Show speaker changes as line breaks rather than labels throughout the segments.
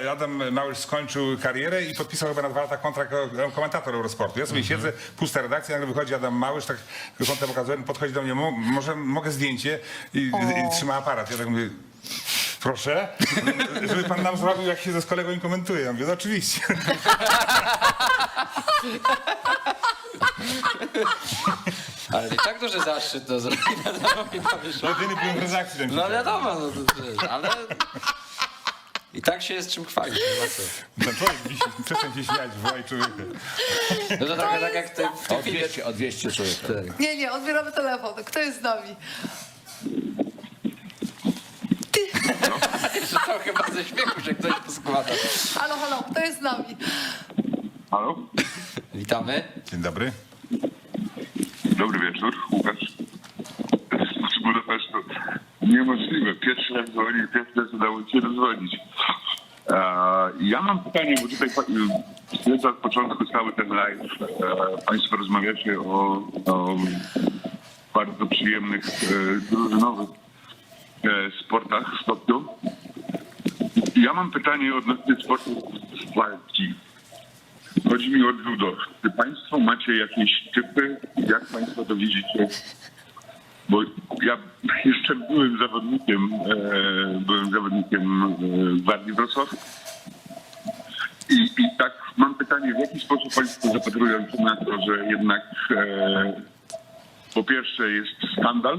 Adam Małysz skończył karierę i podpisał chyba na 2 lata kontrakt jako komentator Eurosportu. Ja sobie siedzę, pusta redakcja, nagle wychodzi Adam Małysz, tak kątem pokazuje, podchodzi do mnie, może mogę zdjęcie i trzyma aparat. Ja tak mówię, proszę, żeby pan nam zrobił, jak się ze z kolegą im komentuje. Ja mówię, no oczywiście.
Ale i tak duży zaszczyt to zrobić.
Jedyny byłem w redakcji. ten
No wiadomo, no to wiesz, ale i tak się jest czym chwalić. Nie ma co.
Ten człowiek przestań się śmiać, wołaj człowieka.
No to trochę tak jak w tym filmie.
Odwieźcie człowieka.
Tak.
Nie, odbieramy telefon. Kto jest z nami?
Jeszcze to chyba ze śmiechu, że ktoś poskłada.
Halo, kto jest z nami?
Halo?
Witamy.
Dzień dobry.
Dobry wieczór, Łukasz. Z Budapesztu. Niemożliwe. Pierwszy raz dzwoni, pierwszy raz udało się dozwonić. Ja mam pytanie, bo tutaj śledzę od początku cały ten live. Państwo rozmawiacie o bardzo przyjemnych, drużynowych sportach w Tokio. Ja mam pytanie odnośnie sportu walki. Chodzi mi o judo. Czy państwo macie jakieś typy? Jak państwo to widzicie? Bo ja jeszcze byłem zawodnikiem Gwardii Wrocław. I tak mam pytanie, w jaki sposób państwo zapatrują się na to, że jednak po pierwsze jest skandal.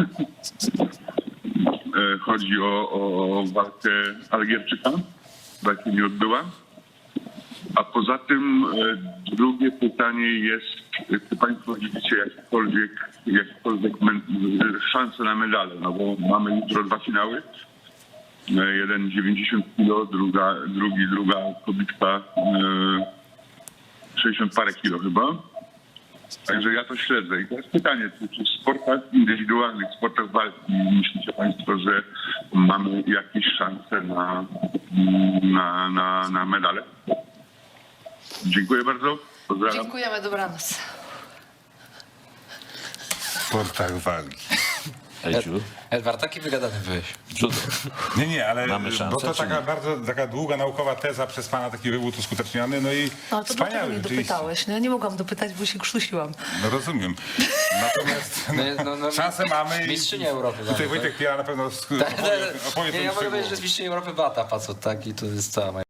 Chodzi o walkę Algierczyka. Walka nie odbyła. A poza tym drugie pytanie jest, czy państwo widzicie jakiekolwiek szanse na medale? No bo mamy jutro 2 finały. Jeden 90 kg, druga kobitka 60 parę kilo chyba. Także ja to śledzę. I teraz pytanie, czy w sportach indywidualnych, w sportach walki myślicie państwo, że mamy jakieś szanse na medale? Dziękuję bardzo. Pozdrawiam.
Dziękujemy, dobranoc.
W sportach walki.
Ejciu,
Edward, taki wygadany byłeś.
judo.
Nie, ale
Mamy szansę,
bo to
czy
taka
nie?
bardzo taka długa naukowa teza przez pana taki wywód uskuteczniony, no i
No to dlaczego
wspaniały
nie
rzeczywiście.
dopytałeś? No ja nie mogłam dopytać, bo się krztusiłam.
No rozumiem. Natomiast szansę mamy.
Mistrzynia Europy.
Tutaj
mamy,
Wojtek Piela na pewno
tak?
opowie
Nie, ja mogę powiedzieć, że
szczegółowo.
jest mistrzyni Europy Bata, facet, tak? I to jest cała moja